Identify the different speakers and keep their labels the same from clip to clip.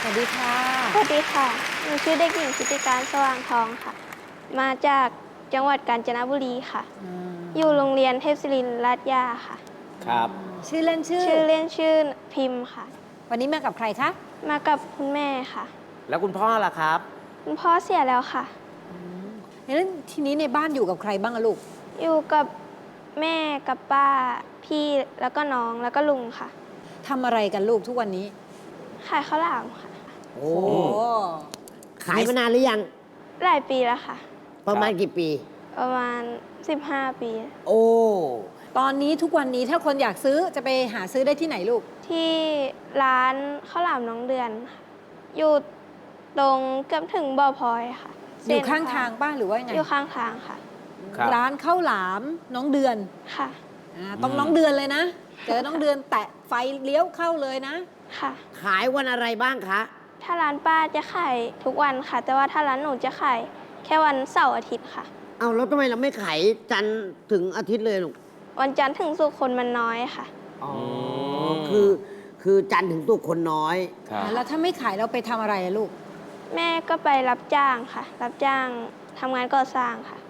Speaker 1: วัสดีค่ะ
Speaker 2: สวัสดีค่ะหนูชื่อเด็กหญิงชุติการสว่างทองค่ะ มาจากจังหวัดกาญจนบุรีค่ะ อยู่โรงเรียนเทพศิรินทร์ลาดย่าค่ะ
Speaker 3: ครับ
Speaker 1: ชื่อเล่นชื่อ
Speaker 2: ชื่อเล่นชื่อพิมพ์ค่ะ
Speaker 1: วันนี้มากับใครคะ
Speaker 2: มากับคุณแม่ค่ะ
Speaker 3: แล้วคุณพ่อล่ะครับ
Speaker 2: คุณพ่อเสียแล้วค่ะ
Speaker 1: แล้วทีนี้ในบ้านอยู่กับใครบ้างอะลูก
Speaker 2: อยู่กับแม่กับป้าพี่แล้วก็น้องแล้วก็ลุงค่ะ
Speaker 1: ทำอะไรกันลูกทุกวันนี้
Speaker 2: ขายข้าวหลามค่ะ
Speaker 4: โอ้
Speaker 1: โอ้
Speaker 4: ขายมานานหรือยัง
Speaker 2: หลายปีแล้วค่ะ
Speaker 4: ประมาณกี่ปี
Speaker 2: ประมาณ 15 ปี
Speaker 4: โอ้
Speaker 1: ตอนนี้ทุกวันนี้ถ้าคนอยากซื้อจะไปหาซื้อได้ที่ไหนลูก
Speaker 2: ที่ร้านข้าวหลามน้องเดือนค่ะอยู่ตรงเกือบถึงบ่อพลอยค่ะ
Speaker 1: อยู่ข้างทางบ้านหรือว่ายังไง
Speaker 2: อยู่ข้างทางค่ะ
Speaker 3: ครับ
Speaker 1: ร้านข้าวหลามน้องเดือน
Speaker 2: ค่ะ
Speaker 1: ต้องน้องเดือนเลยนะ เจอน้องเดือนแตะไฟเลี้ยวเข้าเลยนะ
Speaker 2: ค่ะ
Speaker 4: ขายวันอะไรบ้างคะ
Speaker 2: ถ้าร้านป้าจะขายทุกวันค่ะ แต่ว่าถ้าร้านหนูจะขายแค่วันเสาร์อาทิตย์ค่ะ
Speaker 4: เอาแล้วทำไมเราไม่ขายจันทร์ถึงอาทิตย์เลยลูก
Speaker 2: วันจันทร์ถึงศุกร์คนมันน้อยค่ะ
Speaker 4: อ๋อคือจันทร์ถึงศุกร์คนน้อย
Speaker 3: ครับ
Speaker 1: แล้วถ้าไม่ขายเราไปทำอะไรอะลูก
Speaker 2: แม่ก็ไปรับจ้างค่ะ รับจ้างทำงานก่อสร้างค่ะ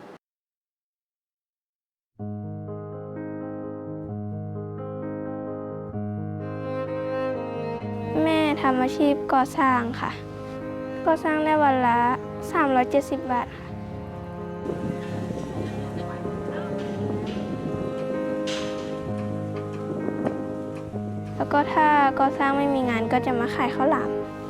Speaker 2: แม่ทำอาชีพก่อสร้างค่ะ ก่อสร้างได้วันละ 370 บาทค่ะ แล้วก็ถ้าก่อสร้างไม่มีงานก็จะมาขายข้าวหลาม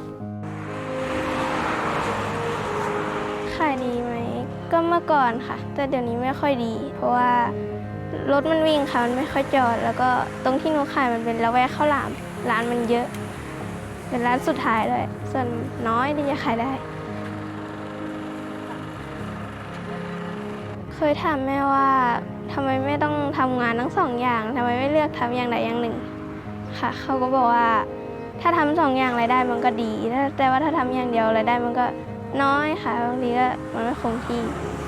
Speaker 2: ขายดีไหมก็เมื่อก่อนค่ะ แต่เดี๋ยวนี้ไม่ค่อยดี เพราะว่ารถมันวิ่งค่ะมันไม่ค่อยจอด แล้วก็ตรงที่หนูขายมันเป็นละแวกข้าวหลามร้านมันเยอะ เป็นร้านสุดท้ายเลยส่วนน้อยที่จะขายได้ เคยถามแม่ว่าทำไมไม่ต้องทำงานทั้งสองอย่างทำไมไม่เลือกทำอย่างใดอย่างหนึ่งค่ะเขาก็บอกว่าถ้าทำสองอย่างรายได้มันก็ดีแต่ว่าถ้าทำอย่างเดียวรายได้มันก็น้อยค่ะบางทีก็มันไม่คงที่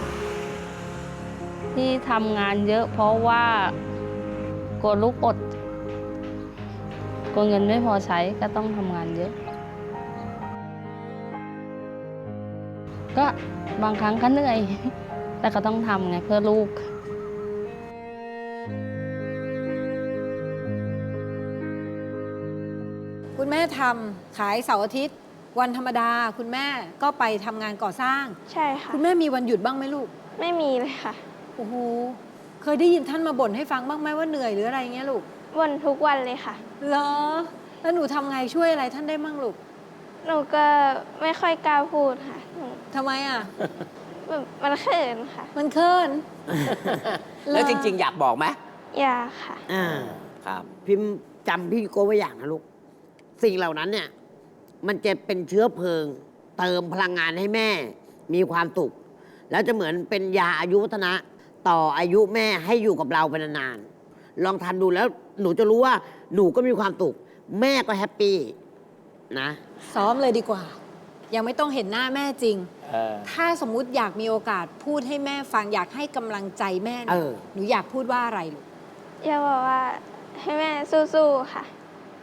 Speaker 5: ที่ทำงานเยอะเพราะว่ากลัวลูกอดกลัวเงินไม่พอใช้ก็ต้องทำงานเยอะ ก็บางครั้งก็เหนื่อย แต่ก็ต้องทำไงเพื่อลูก
Speaker 1: คุณแม่ทำขายเสาร์อาทิตย์ วันธรรมดาคุณแม่ก็ไปทำงานก่อสร้าง
Speaker 2: ใช่ค่ะ
Speaker 1: คุณแม่มีวันหยุดบ้างไหมลูก
Speaker 2: ไม่มีเลยค่ะ
Speaker 1: โอ้โห เคยได้ยินท่านมาบ่นให้ฟังบ้างไหมว่าเหนื่อยหรืออะไรเงี้ยลูก
Speaker 2: บ่นทุกวันเลยค่ะ
Speaker 1: เหรอ แล้วหนูทำไงช่วยอะไรท่านได้มั่งลูก
Speaker 2: หนูก็ไม่ค่อยกล้าพูดค่ะหนู
Speaker 1: ทำไมอ่ะ
Speaker 2: แบบมันเขินค่ะ
Speaker 1: มันเคิน
Speaker 3: แล้วจริง ๆ อยากบอกไหม
Speaker 2: อยากค่ะ
Speaker 4: อ่า
Speaker 3: ครับ
Speaker 4: พิมพ์จำพี่โก้ไว้อย่างนะลูก สิ่งเหล่านั้นเนี่ย มันจะเป็นเชื้อเพลิง เติมพลังงานให้แม่ มีความสุข แล้วจะเหมือนเป็นยาอายุวัฒนะ ต่ออายุแม่ให้อยู่กับเราเป็นนานๆ ลองทำดูแล้วหนูจะรู้ว่าหนูก็มีความสุข แม่ก็แฮปปี้นะ
Speaker 1: ซ้อมเลยดีกว่า ยังไม่ต้องเห็นหน้าแม่จริง
Speaker 3: เออ
Speaker 1: ถ้าสมมุติอยากมีโอกาสพูดให้แม่ฟังอยากให้กำลังใจแม่เนี่ย หนูอยากพูดว่าอะไรลูก
Speaker 2: อยากบอกว่าให้แม่สู้ๆค่ะ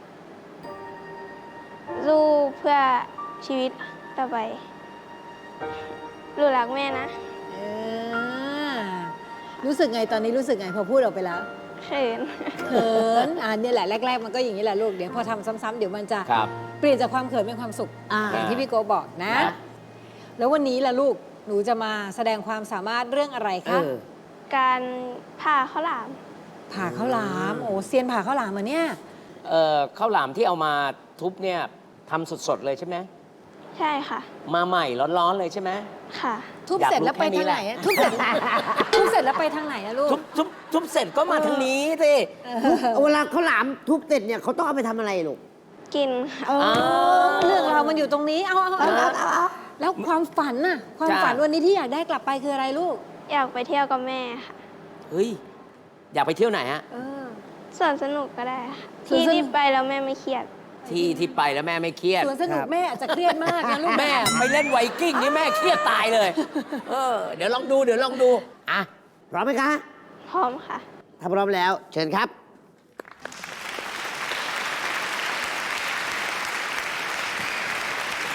Speaker 2: สู้เพื่อชีวิตต่อไปหนูรักแม่นะ
Speaker 1: เออ รู้สึกไงตอนนี้รู้สึกไงพอพูดออกไปแล้ว
Speaker 2: เขิน
Speaker 1: เขินเนี่ยแหละแรก ๆ มันก็อย่างนี้แหละลูก เดี๋ยวพอทำซ้ำๆเดี๋ยวมันจะ
Speaker 3: ครับ
Speaker 1: เปลี่ยนจากความเขินเป็นความสุข
Speaker 4: อ่า
Speaker 1: อย่างที่พี่โกบอกนะ
Speaker 4: นะ
Speaker 1: แล้ววันนี้ล่ะลูก หนูจะมาแสดงความสามารถเรื่องอะไร
Speaker 4: เอ
Speaker 1: คะ
Speaker 4: อ
Speaker 2: การผ่าข้าวหลาม
Speaker 1: ผ่าข้าวหลาม โอ้เซียนผ่าข้าวหลามเหรอเนี่ย
Speaker 3: ข้าวหลามที่เอามาทุบเนี่ยทำสด ๆ เลยใช่ไหม
Speaker 2: ใช่ค่ะ
Speaker 3: มาใหม่ร้อน ๆ เลยใช่ไหม
Speaker 2: ค่ะ
Speaker 1: ทุบ
Speaker 3: อยาก
Speaker 1: เสร็จ
Speaker 3: รู้
Speaker 1: แล้วไป
Speaker 3: แค่นี้
Speaker 1: ทางไหน
Speaker 3: แหละ
Speaker 1: อะทุบเสร็จ ทุบเสร็จแล้วไปทางไหนอะลูก
Speaker 3: ทุบเสร็จก็มาทางนี้สิ
Speaker 4: เวลาเขาหลามทุบเสร็จเนี่ยเขาต้องเอาไปทำอะไรลูก
Speaker 2: กินค่ะ
Speaker 1: เรื่องเราวมันอยู่ตรงนี้ เอาแล้วความฝันน่ะ ความฝันวันนี้ที่อยากได้กลับไปคืออะไรลูก
Speaker 2: อยากไปเที่ยวกับแม่ค่ะ
Speaker 3: เฮ้ย อยากไปเที่ยวไหนฮะ
Speaker 1: เออ
Speaker 2: ส่วนสนุกก็ได้ค่ะ
Speaker 1: สวน
Speaker 2: ที่
Speaker 1: สนุก
Speaker 2: ที่ไปแล้วแม่ไม่เครียด
Speaker 3: ที่ไปแล้วแม่ไม่เครียด
Speaker 1: สวนสนุกแม่อาจจะเครียดมากนะลูก
Speaker 3: แม่ไปเล่นไวกิ้งนี่แม่เครียดตายเลย เดี๋ยวลองดู
Speaker 4: อ่ะ พร้อมไหมคะ
Speaker 2: พร้อมค่ะ
Speaker 4: ถ้าพร้อมแล้ว เชิญครับ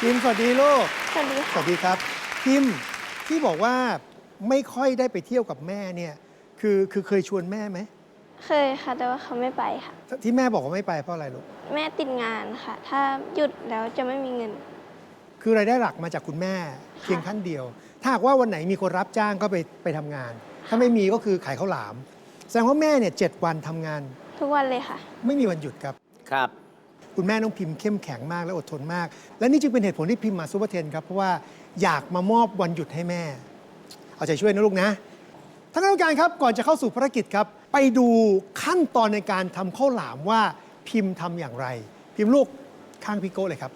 Speaker 6: พิมพ์สวัสดีลูก
Speaker 2: สวัสดี
Speaker 6: ส
Speaker 2: ค่ะ
Speaker 6: วัสดีครับพิมพ์ที่บอกว่าไม่ค่อยได้ไปเที่ยวกับแม่เนี่ยคือเคยชวนแม่ไหม
Speaker 2: เคยค่ะ แต่ว่าเขาไม่ไปค่ะ
Speaker 6: ที่แม่บอกว่าไม่ไปเพราะอะไรลูก
Speaker 2: แม่ติดงานค่ะ ถ้าหยุดแล้วจะไม่มีเงิน
Speaker 6: คือรายได้หลักมาจากคุณแม่เพียงท่านเดียว ถ้าหากว่าวันไหนมีคนรับจ้างก็ไปทำงาน ถ้าไม่มีก็คือขายข้าวหลาม แสดงว่าแม่เนี่ย7 วันทำงาน
Speaker 2: ทุกวันเลยค่ะ
Speaker 6: ไม่มีวันหยุดครับ
Speaker 3: ครับ
Speaker 6: คุณแม่น้องพิมพ์เข้มแข็งมากและอดทนมาก และนี่จึงเป็นเหตุผลที่พิมพ์มาซูเปอร์เทนครับ เพราะว่าอยากมามอบวันหยุดให้แม่ เอาใจช่วยนะลูกนะท่านกรรมการครับก่อนจะเข้าสู่ภารกิจครับ ไปดูขั้นตอนในการทำข้าวหลามว่าพิมพ์ทำอย่างไร พิมพ์ลูกข้างพี่โก้เลยครับ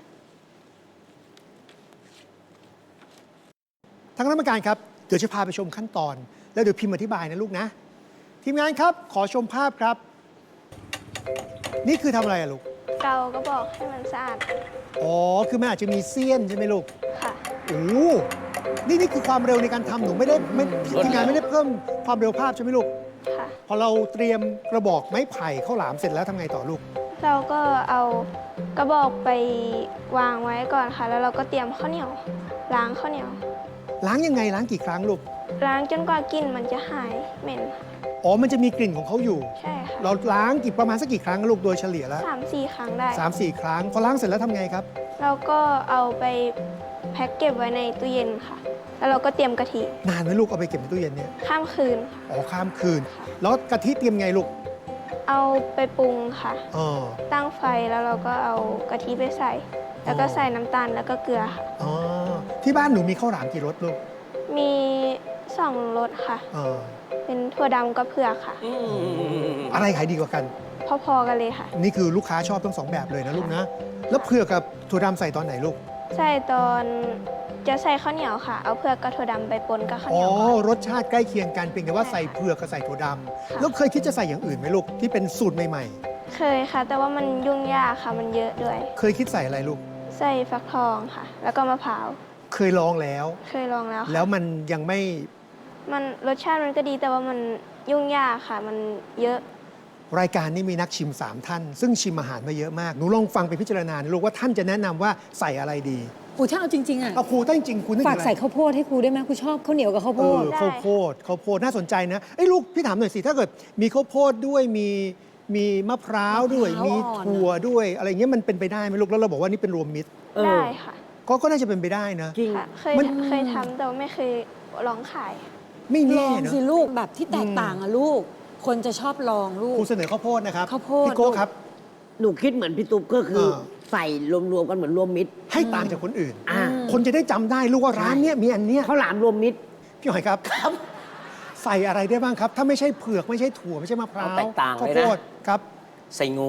Speaker 6: ท่านกรรมการครับเดี๋ยวจะพาไปชมขั้นตอน แล้วเดี๋ยวพิมพ์อธิบายนะลูกนะ ทีมงานครับขอชมภาพครับ นี่คือทำอะไรอะลูก
Speaker 2: เกาก็บอกให้มันสะอาด
Speaker 6: อ๋อ คือมันอาจจะมีเสี้ยนใช่ไหมลูก
Speaker 2: ค่ะ
Speaker 6: โอ้โหนี่คือความเร็วในการทำหนูไม่ได้ทีมงานไม่ได้เพิ่มความเร็วภาพใช่ไหมลูก
Speaker 2: ค่ะ
Speaker 6: พอเราเตรียมกระบอกไม้ไผ่ข้าวหลามเสร็จแล้วทำไงต่อลูก
Speaker 2: เราก็เอากระบอกไปวางไว้ก่อนค่ะ แล้วเราก็เตรียมข้าวเหนียว ล้างข้าวเหนียว
Speaker 6: ล้างยังไงล้างกี่ครั้งลูก
Speaker 2: ล้างจนกว่ากลิ่นมันจะหายเหม็น
Speaker 6: อ๋อ มันจะมีกลิ่นของเขาอยู่
Speaker 2: ใช่ค่ะ
Speaker 6: เราล้างประมาณสักกี่ครั้งลูกโดยเฉลี่ยแล้ว
Speaker 2: 3-4 ครั้งได้
Speaker 6: 3-4 ครั้ง พอล้างเสร็จแล้วทำไงครับ
Speaker 2: เราก็เอาไปแพ็คเก็บไว้ในตู้เย็นค่ะ แล้วเราก็เตรียมกะทิ
Speaker 6: นานไหมลูกเอาไปเก็บในตู้เย็นเนี่ย
Speaker 2: ข้ามคืนค่ะ
Speaker 6: อ๋อ ข้ามคืน แล้วกะทิเตรียมไงลูก
Speaker 2: เอาไปปรุงค่ะ
Speaker 6: อ๋อ
Speaker 2: ตั้งไฟแล้วเราก็เอากะทิไปใส่ แล้วก็ใส่น้ำตาลแล้วก็เกลือค่ะ
Speaker 6: อ๋อ ที่บ้านหนูมีข้าวหลามกี่รสลูก
Speaker 2: มี2 รสค่ะ
Speaker 6: อ๋อ
Speaker 2: เป็นถั่วดำกับเผือกค่ะ
Speaker 6: อะไรขายดีกว่ากัน
Speaker 2: พอๆกันเลยค่ะ
Speaker 6: นี่คือลูกค้าชอบทั้ง2 แบบเลยนะลูกนะ แล้วเผือกกับถั่วดำใส่ตอนไหนลูก
Speaker 2: ใส่ตอนจะใส่ข้าวเหนียวค่ะ เอาเผือกกับถั่วดำไปปนกับข้าวเห
Speaker 6: อ๋อ
Speaker 2: นียวค่ะ
Speaker 6: รสชาติใกล้เคียงกันเพียงแต่ว่าใส่เผือกกับใส่ถั่วดำแล้วเคยคิดจะใส่อย่างอื่นไหมลูกที่เป็นสูตรใหม่
Speaker 2: เคยค่ะ แต่ว่ามันยุ่งยากค่ะ มันเยอะด้วย
Speaker 6: ๆ เคยคิดใส่อะไรลูก
Speaker 2: ใส่ฟักทองค่ะ แล้วก็มะพร้าว
Speaker 6: เคยลองแล้ว
Speaker 2: เคยลองแล้วค่ะ
Speaker 6: แล้วมันยังไม่
Speaker 2: มันรสชาติมันก็ดีแต่ว่ามันยุ่งยากค่ะ มันเยอะ
Speaker 6: รายการนี้มีนักชิม 3 ท่าน ซึ่งชิมอาหารมาเยอะมาก หนูลองฟังไปพิจารณานะลูกว่าท่านจะแนะนำว่าใส่อะไรดี
Speaker 1: ครูถ้าเอาจริงๆอ่ะ
Speaker 6: เอาครูถ้าจริงๆคุณนึกถึ
Speaker 1: ฝาก
Speaker 6: งอะไร
Speaker 1: ใส่ข้าวโพดให้ครูได้ไหมครูชอบข้าวเหนียวกับข้าวโพด
Speaker 2: ได้
Speaker 6: ข้าวโพดน่าสนใจนะเอ้ยลูกพี่ถามหน่อยสิถ้าเกิดมีข้าวโพดด้วยมีมะพร้าวด้วย
Speaker 1: มะพร้าว
Speaker 6: มี
Speaker 1: อ่อน
Speaker 6: ถั่วด้วยอะไรเงี้ยมันเป็นไปได้ไหมลูกแล้วเราบอกว่านี่เป็นรวมมิตร
Speaker 2: ได้ค่ะ
Speaker 6: ก็น่าจะเป็นไปได้นะ
Speaker 4: จริง
Speaker 2: ค่ะ
Speaker 6: มัน
Speaker 2: เคยทำแต่ว่าไม่เคยลองขาย
Speaker 6: ไม่
Speaker 1: ล
Speaker 6: แน่
Speaker 1: อง
Speaker 6: เนอะ
Speaker 1: สิลูกแบบที่แตกต่างอะลูก คนจะชอบลองลูก
Speaker 6: ครูเสนอข้าวโพดนะครับ
Speaker 1: ข้าวโพด
Speaker 6: พี่โก้ครับ
Speaker 4: หนูคิดเหมือนพี่ตุ๊กก็คือ
Speaker 6: เออ
Speaker 4: ใส่รวมๆกันเหมือนรวมมิตร
Speaker 6: ให้ต่างจากคนอื่น
Speaker 4: อ่า
Speaker 6: คนจะได้จำได้ลูกว่าร้านเนี้ยมีอันเนี้ย
Speaker 4: ข้าวหลามรวมมิตร
Speaker 6: พี่หอยครับใส่อะไรได้บ้างครับ ถ้าไม่ใช่เผือกไม่ใช่ถั่วไม่ใช่มะพร้าว
Speaker 3: เอาแตกต่างเลยนะ
Speaker 6: ข้าวโพดครับ
Speaker 3: ใส่งู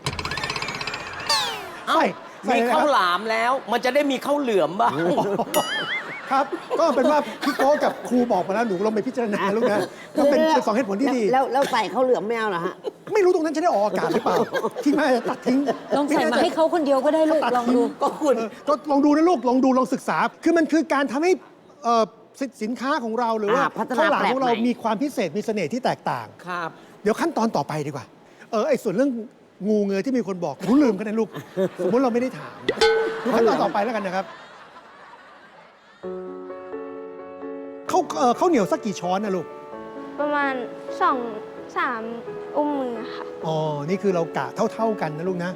Speaker 6: ใส่ใส่
Speaker 3: มี
Speaker 6: อะไรค
Speaker 3: ข้า
Speaker 6: รั
Speaker 3: ว
Speaker 6: บ
Speaker 3: หลามแล้ว มันจะได้มีข้าวเหลือมบ้าง
Speaker 6: ครับ ก็เป็นว่าพี่โก้กับครูบอกมาแล้วหนูลองไปพิจารณาลูกนะก็เป็นสองเหตุผลที่ดี
Speaker 4: แล้วใส่ข้าวเหลืองไม่เอาเหรอฮะ
Speaker 6: ไม่รู้ตรงนั้นจะได้ออกอากาศหรือเปล่า ที่แม่จะตัดทิ้ง
Speaker 1: ลองใส่มาให้เขาคนเดียวก็ได้ลูก
Speaker 6: ตัด
Speaker 1: ลอง
Speaker 6: ทิ้
Speaker 1: ดู
Speaker 6: ก็คุณก็ลองดูนะลูกลองดูลองศึกษา คือมันคือการทำให้สินค้าของเราหรือว่า
Speaker 4: พัฒนา
Speaker 6: ข้าวหลามของเรา
Speaker 4: แปลกใหม่
Speaker 6: มีความพิเศษมีเสน่ห์ที่แตกต่าง
Speaker 3: ครับ
Speaker 6: เดี๋ยวขั้นตอนต่อไปดีกว่า ไอ้ส่วนเรื่องงูเงยที่มีคนบอกหนูลืมกันนะลูก สมมติเราไม่ได้ถามดูขั้นตอนต่อไปแล้วกันนะครับข้าวเหนียวสักกี่ช้อนนะลูก
Speaker 2: ประมาณ 2-3 อุ้มมือค่ะ
Speaker 6: อ๋อ นี่คือเรากะเท่า ๆกันนะลูกนะ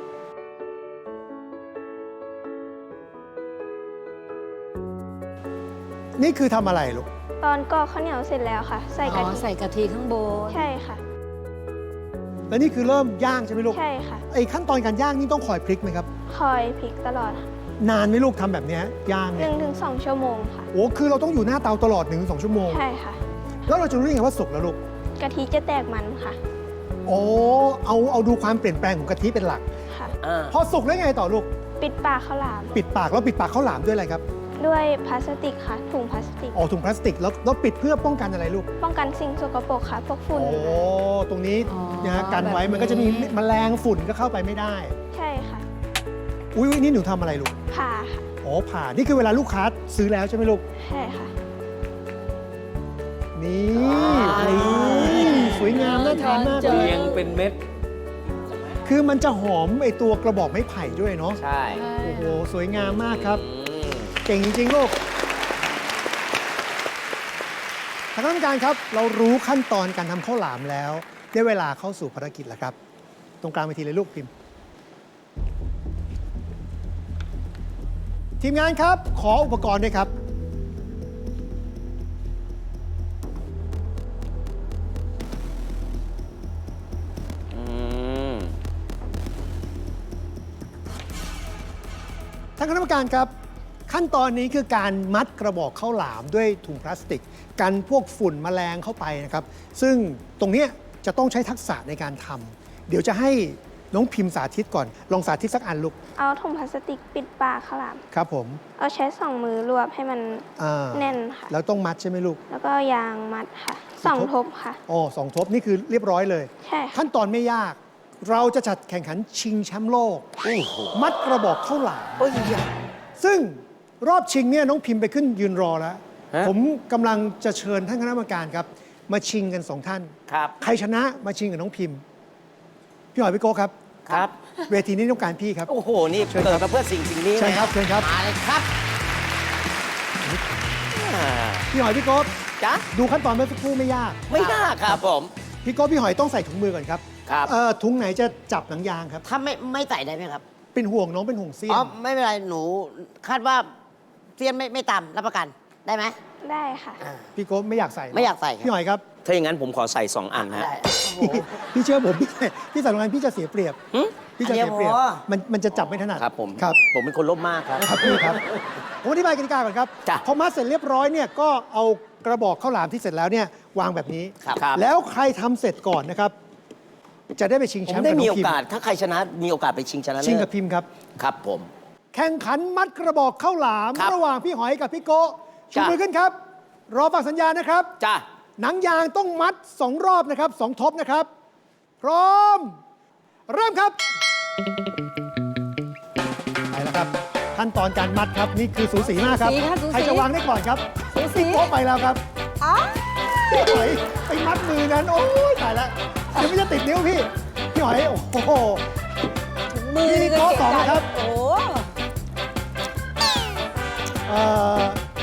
Speaker 6: นี่คือทำอะไรลูก
Speaker 2: ตอนกรอกข้าวเหนียวเสร็จแล้วค่ะ ใส่
Speaker 1: อ๋
Speaker 2: กะ
Speaker 1: อ
Speaker 2: ทิ
Speaker 1: ใส่กะทิข้างบน
Speaker 2: ใช่ค่ะ
Speaker 6: แล้วนี่คือเริ่มย่างใช่ไหมลูก
Speaker 2: ใช่ค่ะ
Speaker 6: ไอ้ขั้นตอนการย่างนี่ต้องคอยพลิกไหมครับ
Speaker 2: คอยพลิกตลอดค่ะ
Speaker 6: นานไหมลูกทำแบบเนี้ยย่างเนี่ย
Speaker 2: 1-2 ชั่วโมงค่ะ
Speaker 6: โอ้คือเราต้องอยู่หน้าเตาตลอด1-2 ชั่วโมง
Speaker 2: ใช่ค่ะ
Speaker 6: แล้วเราจะรู้ได้ไงว่าสุกแล้วลูก
Speaker 2: กะทิจะแตกมันค่ะ
Speaker 6: โอ้เอาดูความเปลี่ยนแปลงของกะทิเป็นหลัก
Speaker 2: ค่ะ
Speaker 6: พอสุกแล้วไงต่อลูก
Speaker 2: ปิดปากข้าวหลาม
Speaker 6: ปิดปากแล้วปิดปากข้าวหลามด้วยอะไรครับ
Speaker 2: ด้วยพลาสติกค่ะ ถุงพลาสติก
Speaker 6: อ๋อถุงพลาสติกแล้วปิดเพื่อป้องกันอะไรลูก
Speaker 2: ป้องกันสิ่งสกปรกค่ะ พวกฝุ่น
Speaker 6: โอ้ตรงนี้
Speaker 1: อ๋อ
Speaker 6: นะฮะกันไว้
Speaker 1: แบบนี้
Speaker 6: มันก็จะมีแมลงฝุ่นก็เข้าไปไม่ได้
Speaker 2: ใช่ค่ะ
Speaker 6: อุ้ยนี่หนูทำอะไรลูก
Speaker 2: ผ่าค่ะ
Speaker 6: อ๋อผ่านี่คือเวลาลูกค้าซื้อแล้วใช่ไหมลูก
Speaker 2: ใช่ค่ะ
Speaker 6: นี่
Speaker 3: อ่า
Speaker 6: นี่สวยงามน่าทานมากเล
Speaker 3: เรี
Speaker 6: ย
Speaker 3: ยงเป็นเม็ด
Speaker 6: คือมันจะหอมไอตัวกระบอกไม้ไผ่ด้วยเนาะ
Speaker 3: ใช่
Speaker 6: โอ้โห สวยงามมากครับ
Speaker 3: อืม
Speaker 6: เก่งจริง ๆ ลูกท่านกรรมการครับ เรารู้ขั้นตอนการทำข้าวหลามแล้วได้เวลาเข้าสู่ภารกิจแล้วครับ ตรงกลางเวทีเลยลูกพิมพ์ ทีมงานครับ ขออุปกรณ์ด้วยครับ
Speaker 3: อืม
Speaker 6: ท่านคณะกรรมการครับ ขั้นตอนนี้คือการมัดกระบอกข้าวหลามด้วยถุงพลาสติก กันพวกฝุ่นแมลงเข้าไปนะครับ ซึ่งตรงเนี้ยจะต้องใช้ทักษะในการทำเดี๋ยวจะให้น้องพิมพ์สาธิตก่อน ลองสาธิตสักอันลูก
Speaker 2: เอาถุงพลาสติกปิดปากข้าวหลาม
Speaker 6: ครับผม
Speaker 2: เอาใช้สองมือรวบให้มัน
Speaker 6: อ่า
Speaker 2: แน่นค่ะ
Speaker 6: แล้วต้องมัดใช่ไหมลูก
Speaker 2: แล้วก็ยางมัดค่ะสองทบค่ะ
Speaker 6: อ๋อสองทบนี่คือเรียบร้อยเลย
Speaker 2: ใช่ค่ะ
Speaker 6: ขั้นตอนไม่ยาก เราจะจัดแข่งขันชิงแชมป์โลก มัดกระบอกข้าวหลาม
Speaker 3: โอ้ยอย่า
Speaker 6: ซึ่งรอบชิงเนี่ยน้องพิมพ์ไปขึ้นยืนรอแล้ว
Speaker 3: ฮะ
Speaker 6: ผมกำลังจะเชิญท่านคณะกรรมการครับ มาชิงกันสองท่าน
Speaker 3: ครับ
Speaker 6: ใครชนะมาชิงกับน้องพิมพ์ พี่หอยพี่โก้ครับ
Speaker 3: ครับ
Speaker 6: เวทีนี้ต้องการพี่ครับ
Speaker 3: โอ้โห นี่
Speaker 6: เชิญ
Speaker 3: เกิ
Speaker 6: ครั
Speaker 3: ด
Speaker 6: บ
Speaker 3: มาเพื่อสิ่งนี้
Speaker 6: เชิญครับ
Speaker 3: นะ
Speaker 6: เชิญครับ
Speaker 4: มาเลยครับ
Speaker 3: อ่า
Speaker 6: พี่หอยพี่โก้
Speaker 3: จ๊ะ
Speaker 6: ดูขั้นตอนเมื่อสักครู่ไม่ยาก
Speaker 3: ไม่น่าครับผม
Speaker 6: พี่โก้พี่หอยต้องใส่ถุงมือก่อนครับ
Speaker 3: ครับ
Speaker 6: ถุงไหนจะจับหนังยางครับ
Speaker 4: ถ้าไม่ใส่ได้ไหมครับ
Speaker 6: เป็นห่วงน้องเป็นห่วงเสี้ย
Speaker 4: อ๋อน ไม่เป็นไร หนูคาดว่าเซียนไม่ต่ำรับประกันได้ไหม
Speaker 2: ได้ค่ะ
Speaker 6: พี่โก้ไม่อยากใส่
Speaker 4: ไม่อยากใส่ครับ
Speaker 6: พี่หอยครับ
Speaker 3: ถ้าอย่างนั้นผมขอใส่ 2 อันฮะ
Speaker 4: ได้โอ้โห
Speaker 6: พี่เชื่อผมพี่ใส่โรงงานพี่จะเสียเปรียบ
Speaker 3: หึ
Speaker 6: พี่จะเสียเปรียบ
Speaker 4: อันเดียวพอ
Speaker 6: มันจะจับไม่ถนัด
Speaker 3: ครับผม
Speaker 6: ครับ
Speaker 3: ผมเป็นคนโลภมากครับ
Speaker 6: ครับพี่ครับ ผมอธิบายกติกาก่อนครับ
Speaker 3: จ้ะ
Speaker 6: พอมัดเสร็จเรียบร้อยเนี่ยก็เอากระบอกข้าวหลามที่เสร็จแล้วเนี่ยวางแบบนี้
Speaker 3: ครับครับ
Speaker 6: แล้วใครทำเสร็จก่อนนะครับ จะได้ไปชิง
Speaker 3: ผ
Speaker 6: แช
Speaker 3: ม
Speaker 6: มป์
Speaker 3: ได้
Speaker 6: กับ
Speaker 3: มี
Speaker 6: น้
Speaker 3: โอ
Speaker 6: องพิม
Speaker 3: กาส
Speaker 6: พ์
Speaker 3: ถ้าใครชนะมีโอกาสไปชิงชนะเลิศ
Speaker 6: ชิงกับพิมพ์ครับ
Speaker 3: ครับผม
Speaker 6: แข่งขันมัดกระบอกข้าวหลาม
Speaker 3: ครับ
Speaker 6: ระหว่างพี่หอยกับพี่โกะชู
Speaker 3: จ้ะ
Speaker 6: มือขึ้นครับ รอฟังสัญญาณนะครับ
Speaker 3: จ้า
Speaker 6: หนังยางต้องมัด 2 รอบนะครับ 2 ทบนะครับ พร้อม เริ่มครับ ไปแล้วครับ ขั้นตอนการมัดครับ นี่คือสูสีมากครับ
Speaker 1: สูสีค่ะสูสี
Speaker 6: ใครจะวางได้ก่อนครับ
Speaker 1: สูสี
Speaker 6: พี่โป๊ะไปแล้วครับ
Speaker 1: อ๋อ
Speaker 6: พี่หอยไปมัดมือนั้น โอ้ยตายแล้วยังไม่จะติดนิ้วพี่ พี่หอย โอ้โห
Speaker 1: มือ
Speaker 6: พี่โก๊ะต่อนะครับ
Speaker 1: โอ้
Speaker 6: เอ่อ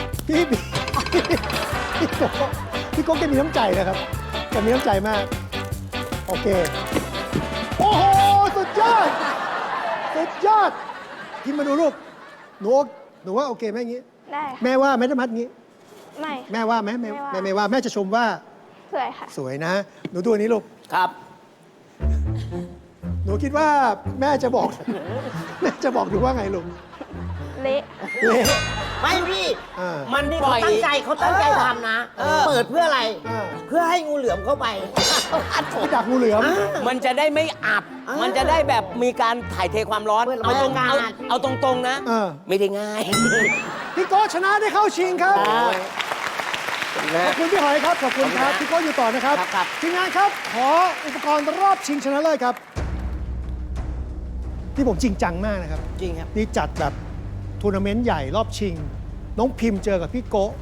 Speaker 6: พี่โก้พี่โก้แกมีน้ำใจนะครับแกมีน้ำใจมาก โอเค โอ้โห สุดยอด สุดยอดพิมพ์มาดูลูก หนูว่าโอเคไหมอย่างงี้
Speaker 2: ได้ค่ะ
Speaker 6: แม่ว่าไม่ได้มัดงี้
Speaker 2: ไม่
Speaker 6: แม่ว่าไหมแม่
Speaker 2: ไม่ว่า
Speaker 6: ไม่ว่า แม่จะชมว่า
Speaker 2: สวยค่ะ
Speaker 6: สวยนะ หนูดูอันนี้ลูก
Speaker 3: ครับ
Speaker 6: หนูคิดว่าแม่จะบอก แม่จะบอกดูว่าไงลูก
Speaker 2: เละ
Speaker 6: เละ
Speaker 4: ไม่พี่
Speaker 6: อ่า
Speaker 3: มัน
Speaker 4: นี่
Speaker 3: ปล่
Speaker 4: เขา
Speaker 3: อย
Speaker 4: ตั้งใจทำนะ เปิดเพื่ออะไร
Speaker 6: อ่า
Speaker 4: เพื่อให้งูเหลือมเข้าไป
Speaker 6: พี่ดักงูเหลือม
Speaker 3: มันจะได้ไม่อับ
Speaker 4: อ่ามั
Speaker 3: มันจะได้แบบมีการถ่ายเทความร้อน
Speaker 4: เปิด
Speaker 3: เอาตรง
Speaker 4: บรรยากาศ
Speaker 3: เอาตรงๆนะ
Speaker 6: เออ
Speaker 3: ไม่ได้ง่าย
Speaker 6: พี่โก้ชนะได้เข้าชิงครับ
Speaker 3: นะ
Speaker 6: ขอบคุณพี่หอยครับ ขอบคุณครับ พี่โก้อยู่ต่อนะครับ
Speaker 3: ครับ
Speaker 6: ทีมงานครับ ขออุปกรณ์รอบชิงชนะเลิศครับที่ผมจริงจังมากนะครับ
Speaker 4: จริงครับ
Speaker 6: นี่จัดแบบทัวร์นาเมนต์ใหญ่รอบชิง น้องพิมพ์เจอกับพี่โกะ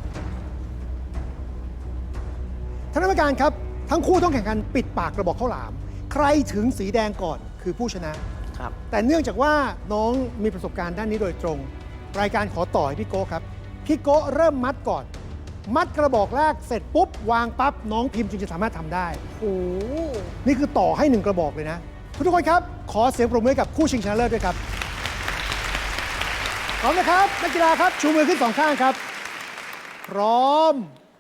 Speaker 6: ท่านกรรมการครับ ทั้งคู่ต้องแข่งขันปิดปากกระบอกข้าวหลาม ใครถึงสีแดงก่อนคือผู้ชนะ
Speaker 3: ครับ
Speaker 6: แต่เนื่องจากว่าน้องมีประสบการณ์ด้านนี้โดยตรง รายการขอต่อให้พี่โก้ครับ พี่โก้เริ่มมัดก่อน มัดกระบอกแรกเสร็จปุ๊บ วางปั๊บ น้องพิมพ์จึงจะสามารถทำได้
Speaker 1: โอ้
Speaker 6: นี่คือต่อให้1กระบอกเลยนะ ทุกคนครับ ขอเสียงปรบมือให้กับคู่ชิงชนะเลิศด้วยครับพร้อมนะครับนักกีฬาครับ ชูมือขึ้น2ข้างครับ พร้อม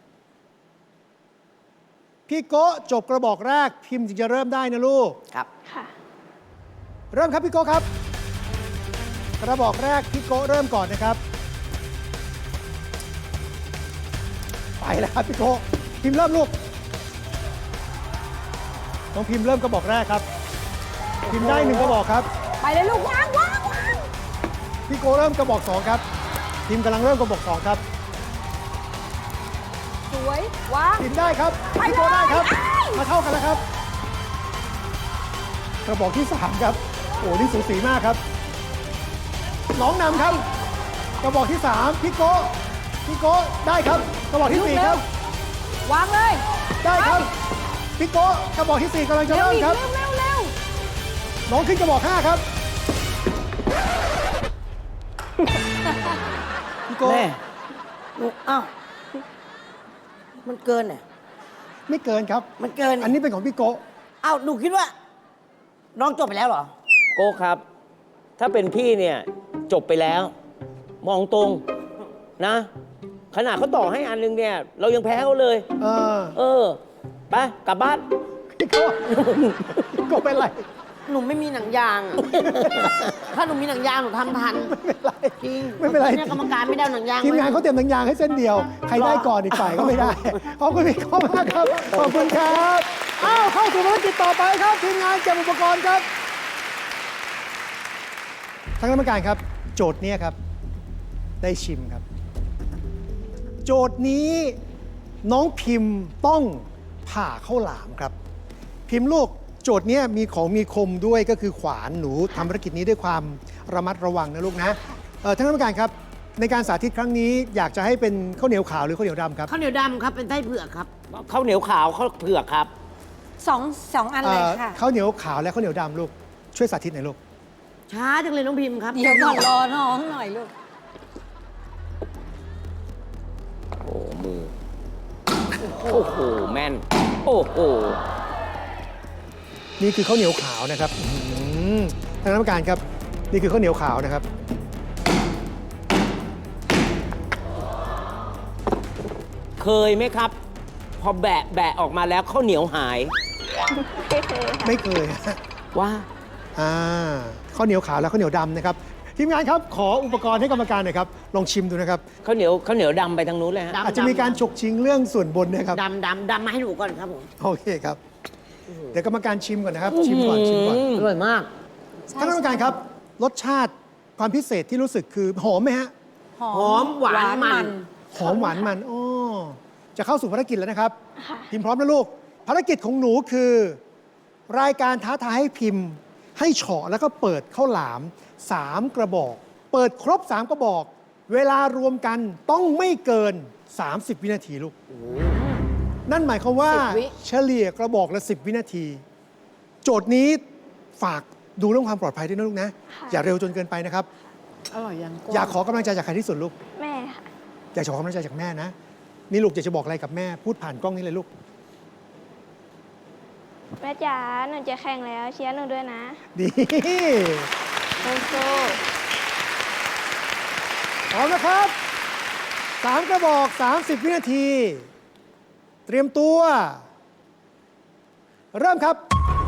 Speaker 6: พี่โก้จบกระบอกแรก พิมพ์จึงจะเริ่มได้นะลูก
Speaker 3: ครับ
Speaker 2: ค่ะ
Speaker 6: เริ่มครับพี่โก้ครับ กระบอกแรกพี่โก้เริ่มก่อนนะครับ ไปแล้วครับพี่โก้พิมพ์เริ่มลูกน้องพิมพ์เริ่มกระบอกแรกครับ พิมพ์ได้1กระบอกครับ
Speaker 1: ไปเลยลูกวางวางวาง
Speaker 6: พี่โก้เริ่มกระบอก2ครับ พิมพ์กำลังเริ่มกระบอก2ครับ
Speaker 1: สวยวาง
Speaker 6: พิมพ์ได้ครับ
Speaker 1: ไปเลย
Speaker 6: พี่โก้ได้ครับ
Speaker 1: อ้าย
Speaker 6: มาเท่ากันแล้วครับ กระบอกที่3ครับโอ้นี่สูสีมากครับน้องนำครับ กระบอกที่3พี่โก้ได้ครับ กระบอกที่4ครับ
Speaker 1: วางเลย
Speaker 6: ได้ครับ พี่โก้กระบอกที่4กำลังจะ
Speaker 1: เร็ว
Speaker 6: เริ่ม
Speaker 1: อีก
Speaker 6: ครับ
Speaker 1: เร็วเร็วเร็ว
Speaker 6: น้องขึ้นกระบอก 5 ครับ พี่โก้
Speaker 4: แม่หนูอ้าวมันเกินเนี่ย
Speaker 6: ไม่เกินครับ
Speaker 4: มันเกิน
Speaker 6: อันนี้เป็นของพี่โก้
Speaker 4: อ้าวหนูคิดว่า น้องจบไปแล้วเหรอ
Speaker 3: โก้ครับ ถ้าเป็นพี่เนี่ยจบไปแล้ว มองตรงนะ ขนาดเขาต่อให้อันนึงเนี่ย เรายังแพ้เขาเลย
Speaker 6: เออ
Speaker 3: เออ ไปกลับบ้าน
Speaker 6: พี่โก้พี่โก้เป็นไร
Speaker 4: หนูไม่มีหนังยางอะ ถ้าหนูมีหนังยางหนูทำทัน
Speaker 6: ไม่เป็นไร
Speaker 4: จริง
Speaker 6: ไม่เป็นไร
Speaker 4: เนี่ยกรรมการไม่ได้เอาหนังยาง
Speaker 6: ทีมงาน
Speaker 4: ไว้
Speaker 6: เขาเตรียมหนังยางให้เส้นเดียว ใครได้ก่อนอีกฝ่ายก็ไม่ได้ ขอบคุณพี่โก้มากครับ ขอบคุณครับ อ้าวเข้าสู่ภารกิจต่อไปครับ ทีมงานเก็บอุปกรณ์ครับทางกรรมการครับ โจทย์เนี้ยครับ ได้ชิมครับ โจทย์นี้น้องพิมพ์ต้องผ่าข้าวหลามครับ พิมพ์ลูกโจทย์เนี้ยมีของมีคมด้วยก็คือขวานหนูทำภารกิจนี้ด้วยความระมัดระวังนะลูกนะท่านกรรมการครับ ในการสาธิตครั้งนี้อยากจะให้เป็นข้าวเหนียวขาวหรือข้าวเหนียวดำครับ
Speaker 4: ข้าวเหนียวดำครับเป็นไส้เผือกครับ
Speaker 3: ข้าวเหนียวขาวข้าวเผือกครับ
Speaker 1: สองอันเลยค่ะ
Speaker 6: ข้าวเหนียวขาวและข้าวเหนียวดำลูกช่วยสาธิตหน่อยลูก
Speaker 4: ช้าจังเลยน้องพิมพ์ครับ
Speaker 1: เดี๋ยวก่อนรอน้องหน่อยลูก
Speaker 3: โอ้มือ โอ้โห แม่น โอ้โห
Speaker 6: นี่คือข้าวเหนียวขาวนะครับท่านกรรมการครับนี่คือข้าวเหนียวขาวนะครับ
Speaker 3: เคยไหมครับ พอแบะออกมาแล้วข้าวเหนียวหาย
Speaker 6: ไม่เคย
Speaker 3: ว่า
Speaker 6: ข้าวเหนียวขาวและข้าวเหนียวดำนะครับทีมงานครับขออุปกรณ์ให้กรรมการหน่อยครับลองชิมดูนะครับ
Speaker 3: ข้าวเหนียวดำไปทางนู้นเลยฮะ
Speaker 4: ดำ
Speaker 6: อาจจะมีการฉกชิงเรื่องส่วนบนนะครับ
Speaker 4: ดำมาให้หนูก่อนครับผม
Speaker 6: โอเคครับ เดี๋ยวกรรมการชิมก่อนนะครับ ชิมก่อน
Speaker 4: อร่อยมาก
Speaker 6: ท่านกรรมการครับ รสชาติความพิเศษที่รู้สึกคือหอมไหมฮะ
Speaker 4: หอมหวานมัน
Speaker 6: หอมหวานมันอ้อจะเข้าสู่ภารกิจแล้วนะครับ พิมพ์พร้อมนะลูก ภารกิจของหนูคือ รายการท้าทายให้พิมพ์ ให้เฉาะแล้วก็เปิดข้าวหลาม 3 กระบอก เปิดครบ 3 กระบอก เวลารวมกันต้องไม่เกิน 30 วินาทีลูก นั่นหมายความว่า
Speaker 1: 10 วิ
Speaker 6: เฉลี่ยกระบอกละ 10 วินาที โจทย์นี้ฝากดูเรื่องความปลอดภัยด้วยนะลูกนะ อย่าเร็วจนเกินไปนะครับ
Speaker 1: อร่อยยัง
Speaker 6: อยากขอกำลังใจจากใครที่สุดลูก
Speaker 2: แม่ค่ะ
Speaker 6: อยากขอกำลังใจจากแม่นะ นี่ลูกอยากจะบอกอะไรกับแม่พูดผ่านกล้องนี้เลยลูก
Speaker 2: แม่จ๋าหนูจะแข่งแล้วเชียร์หนูด้วยนะ
Speaker 6: ดี
Speaker 1: สู้
Speaker 6: พร้อมนะครับ 3 กระบอก 30 วินาที เตรียมตัว เริ่มครับ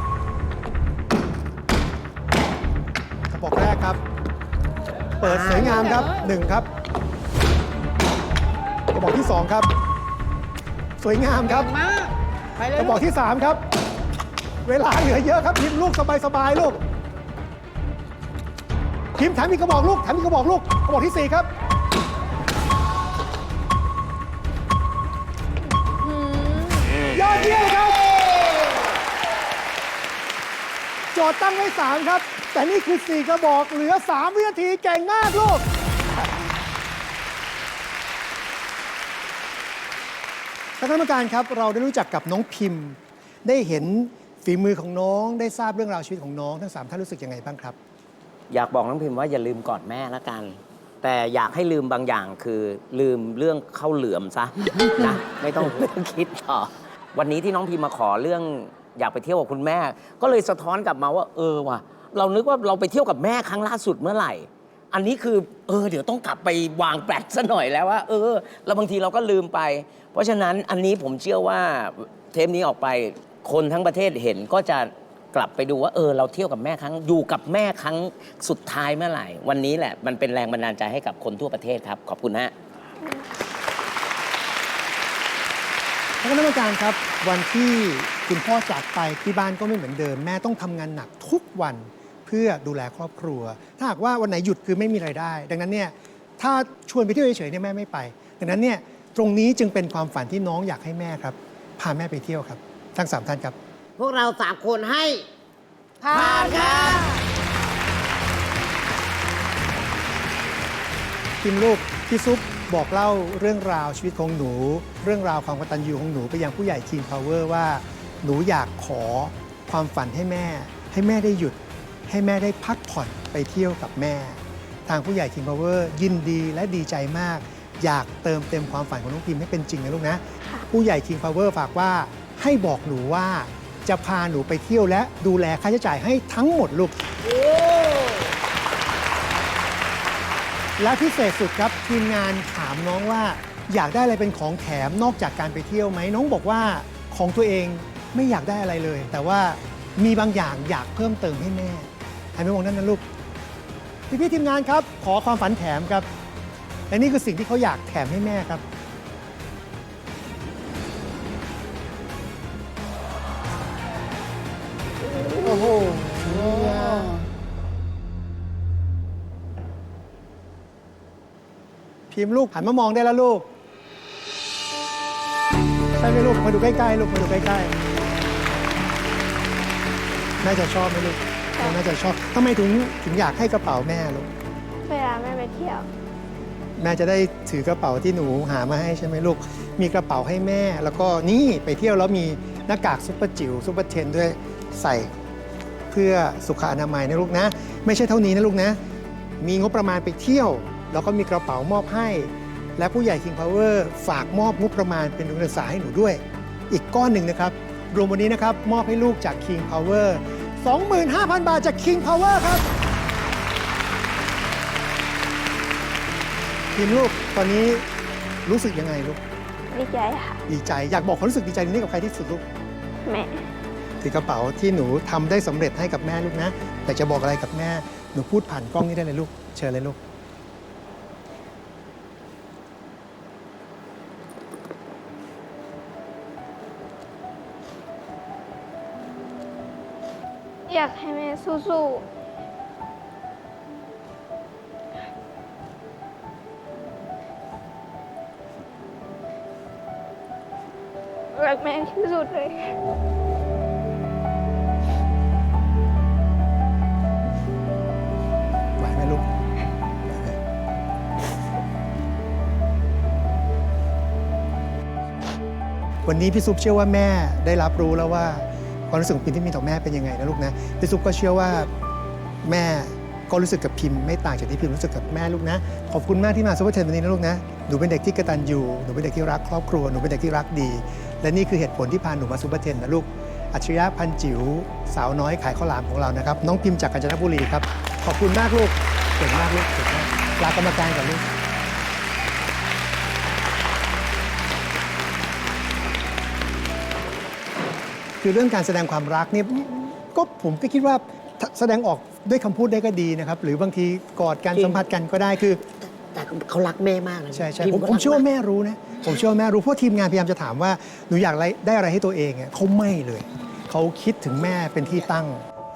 Speaker 6: กระบอกแรกครับ เปิดสวยงามครับ 1 ครับ กระบอกที่ 2 ครับ สวยงามครับ
Speaker 1: มากไปเลย
Speaker 6: กระบอกที่ 3 ครับ เวลาเหลือเยอะครับพิมพ์ลูกสบายๆลูกพิมพ์แถมอีกกระบอกลูกแถมอีกกระบอกลูกกระบอกที่ 4 ครับ ยอดเยี่ยมครับ โจทย์ตั้งไว้ 3 ครับ แต่นี่คือ 4 กระบอกเหลือ 3 วินาทีเก่งมากลูก ท่านกรรมการครับเราได้รู้จักกับน้องพิมพ์ ได้เห็นฝีมือของน้องได้ทราบเรื่องราวชีวิตของน้องทั้ง 3 ท่านรู้สึกยังไงบ้างครับ
Speaker 3: อยากบอกน้องพิมพ์ว่าอย่าลืมกอดแม่ละกัน แต่อยากให้ลืมบางอย่างคือลืมเรื่องข้าวเหลือมซะ นะ ไม่ต้องคิดต่อ วันนี้ที่น้องพิมพ์มาขอเรื่องอยากไปเที่ยวกับคุณแม่ ก็เลยสะท้อนกลับมาว่าว่ะเรานึกว่าเราไปเที่ยวกับแม่ครั้งล่าสุดเมื่อไหร่ อันนี้คือเดี๋ยวต้องกลับไปวางแปลนซะหน่อยแล้วว่าแล้วบางทีเราก็ลืมไป เพราะฉะนั้นอันนี้ผมเชื่อว่าเทปนี้ออกไปคนทั้งประเทศเห็นก็จะกลับไปดูว่าเราเที่ยวกับแม่ครั้งอยู่กับแม่ครั้งสุดท้ายเมื่อไหร่ วันนี้แหละมันเป็นแรงบันดาลใจให้กับคนทั่วประเทศครับขอบคุณฮะ
Speaker 6: ท่านคณะกรรมการครับ วันที่คุณพ่อจากไปที่บ้านก็ไม่เหมือนเดิม แม่ต้องทำงานหนักทุกวันเพื่อดูแลครอบครัว ถ้าหากว่าวันไหนหยุดคือไม่มีรายได้ ดังนั้นเนี่ยถ้าชวนไปเที่ยวเฉยๆเนี่ยแม่ไม่ไป ดังนั้นเนี่ยตรงนี้จึงเป็นความฝันที่น้องอยากให้แม่ครับพาแม่ไปเที่ยวครับทั้ง 3 ท่านครับ
Speaker 4: พวกเรา 3 คนให้
Speaker 1: ผ่านค่ะ
Speaker 6: พิมพ์ลูกพี่ซุปบอกเล่าเรื่องราวชีวิตของหนู เรื่องราวความกตัญญูของหนูไปยังผู้ใหญ่ King Power ว่าหนูอยากขอความฝันให้แม่ได้หยุดให้แม่ได้พักผ่อนไปเที่ยวกับแม่ ทางผู้ใหญ่ King Power ยินดีและดีใจมาก อยากเติมเต็มความฝันของน้องพิมให้เป็นจริงนะลูกนะ ผู้ใหญ่ King Power ฝากว่าให้บอกหนูว่าจะพาหนูไปเที่ยวและดูแลค่าใช้จ่ายให้ทั้งหมดลูก และพิเศษสุดครับทีมงานถามน้องว่าอยากได้อะไรเป็นของแถมนอกจากการไปเที่ยวไหมน้องบอกว่าของตัวเองไม่อยากได้อะไรเลย แต่ว่ามีบางอย่างอยากเพิ่มเติมให้แม่หันไปมองนั่นนะลูกพี่ทีมงานครับขอความฝันแถมครับและนี่คือสิ่งที่เขาอยากแถมให้แม่ครับโอ้โหพิมพ์ลูกหันมามองได้แล้วลูกใช่ไหมลูกมาดูใกล้ๆลูกมาดูใกล้ๆน่าจะชอบไหมลูกน่าจะชอบทำไมถึงอยากให้กระเป๋าแม่ลูก
Speaker 2: เวลาแม่ไปเที่ยว
Speaker 6: แม่จะได้ถือกระเป๋าที่หนูหามาให้ใช่ไหมลูกมีกระเป๋าให้แม่แล้วก็นี่ไปเที่ยวแล้วมีหน้ากากซุปเปอร์จิ๋วซุปเปอร์เทนด้วยใส่เพื่อสุขอนามัยนะลูกนะไม่ใช่เท่านี้นะลูกนะมีงบประมาณไปเที่ยวแล้วก็มีกระเป๋ามอบให้และผู้ใหญ่ King Power ฝากมอบงบประมาณเป็นทุนการศึกษาให้หนูด้วยอีกก้อนหนึ่งนะครับรวมวันนี้นะครับมอบให้ลูกจาก King Power 25,000 บาทจาก King Power ครับทีมลูกตอนนี้รู้สึกยังไงลูก
Speaker 2: ดีใจค่ะ
Speaker 6: ดีใจอยากบอกความรู้สึกดีใจนี้กับใครที่สุดลูก
Speaker 2: แม่
Speaker 6: ถือกระเป๋าที่หนูทำได้สำเร็จให้กับแม่ลูกนะแต่จะบอกอะไรกับแม่หนูพูดผ่านกล้องนี้ได้เลยลูกเชิญเลยลูก
Speaker 2: อยากให้แม่สู้ๆรักแม่ที่สุดเลย
Speaker 6: ไหวไหมลูกวันนี้พี่ซุปเชื่อว่าแม่ได้รับรู้แล้วว่าความรู้สึกของพิมที่มีต่อแม่เป็นยังไงนะลูกนะพี่ซุปก็เชื่อว่าแม่ก็รู้สึกกับพิมไม่ต่างจากที่พิมรู้สึกกับแม่ลูกนะขอบคุณมากที่มาซุปเปอร์เทนวันนี้นะลูกนะหนูเป็นเด็กที่กตัญญูหนูเป็นเด็กที่รักครอบครัวหนูเป็นเด็กที่รักดีและนี่คือเหตุผลที่พาหนูมาซุปเปอร์เทนนะลูกอัจฉริยะพันจิ๋วสาวน้อยขายข้าวหลามของเรานะครับน้องพิมจากกาญจนบุรีครับขอบคุณมากลูกเก่งมากลูกเก่งมากลากรรมการก่อนลูกคือเรื่องการแสดงความรักเนี่ยก็ผมก็คิดว่าแสดงออกด้วยคำพูดได้ก็ดีนะครับหรือบางทีกอดกันสัมผัสกันก็ได้คือ
Speaker 4: แต่เขารักแม่มากนะ
Speaker 6: ใช่ใช่
Speaker 4: พิ
Speaker 6: ผม
Speaker 4: ก็
Speaker 6: ผม
Speaker 4: รัก
Speaker 6: เชื่อว่าแม่รู้นะผมเชื่อว่าแม่รู้เพราะทีมงานพยายามจะถามว่าหนูอยากได้อะไรให้ตัวเองอ่ะเขาไม่เลยเขาคิดถึงแม่เป็นที่ตั้ง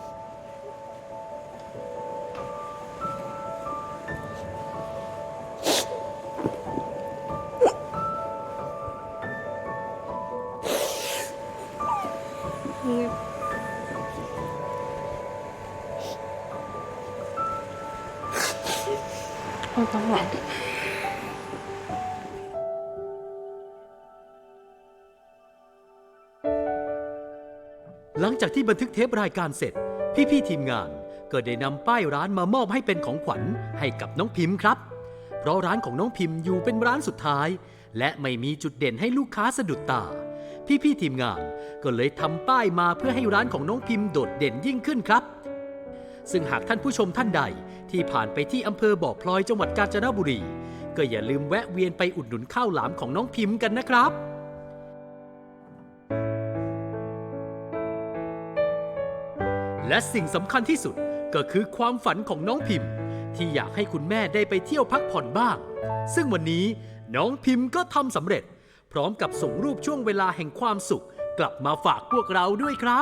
Speaker 7: หลังจากที่บันทึกเทปรายการเสร็จพี่ๆทีมงานก็ได้นำป้ายร้านมามอบให้เป็นของขวัญให้กับน้องพิมพ์ครับเพราะร้านของน้องพิมพ์อยู่เป็นร้านสุดท้ายและไม่มีจุดเด่นให้ลูกค้าสะดุดตาพี่ๆทีมงานก็เลยทำป้ายมาเพื่อให้ร้านของน้องพิมพ์โดดเด่นยิ่งขึ้นครับซึ่งหากท่านผู้ชมท่านใดที่ผ่านไปที่อำเภอบ่อพลอยจังหวัดกาญจนบุรีก็อย่าลืมแวะเวียนไปอุดหนุนข้าวหลามของน้องพิมพ์กันนะครับและสิ่งสำคัญที่สุดก็คือความฝันของน้องพิมพ์ที่อยากให้คุณแม่ได้ไปเที่ยวพักผ่อนบ้างซึ่งวันนี้น้องพิมพ์ก็ทำสำเร็จพร้อมกับส่งรูปช่วงเวลาแห่งความสุขกลับมาฝากพวกเราด้วยครับ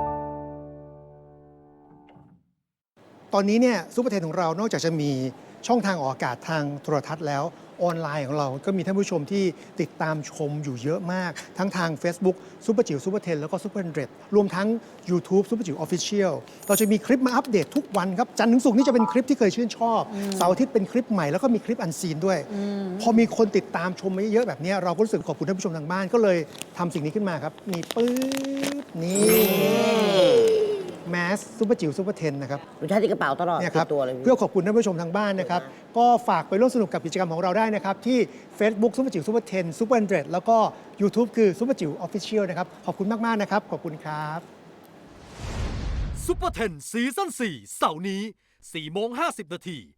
Speaker 6: ตอนนี้เนี่ยซุปเปอร์เทนของเรานอกจากจะมีช่องทางออกอากาศทางโทรทัศน์แล้วออนไลน์ของเราก็มีท่านผู้ชมที่ติดตามชมอยู่เยอะมากทั้งทาง Facebook ซุปเปอร์จิ๋วซุปเปอร์เทนแล้วก็ซุปเปอร์100รวมทั้ง YouTube ซุปเปอร์จิ๋ว Official เราจะมีคลิปมาอัปเดตทุกวันครับจันทร์ถึงศุกร์นี่จะเป็นคลิปที่เคยชื่นชอบเสาร์อาทิตย์เป็นคลิปใหม่แล้วก็มีคลิปอันซีนด้วยพอมีคนติดตามชมมาเยอะแบบนี้เราก็รู้สึกขอบคุณท่านผู้ชมทางบ้านก็เลยทำสิ่งนี้ขึ้นมาครับมีปื๊บนี่แมสซุปเปอร์จิ๋วซุปเปอร์เทนนะครับ
Speaker 4: หนูใช้ที่กระเป๋าตลอด
Speaker 6: เนี่ยค
Speaker 4: ติ
Speaker 6: รับ
Speaker 4: ดตัวเลย
Speaker 6: เพื่อขอบคุณท่านผู้ชมทางบ้านนะครับ ก็ฝากไปร่วมสนุกกับกิจกรรมของเราได้นะครับ ที่ Facebook ซุปเปอร์จิ๋วซุปเปอร์เทนซุปเปอร์100แล้วก็ YouTube คือซุปเปอร์จิ๋วออฟฟิเชียลนะครับ ขอบคุณมาก ๆ นะครับ ขอบคุณครับ
Speaker 7: ซุปเปอร์เทนซีซั่น4เสาร์นี้4:50 น.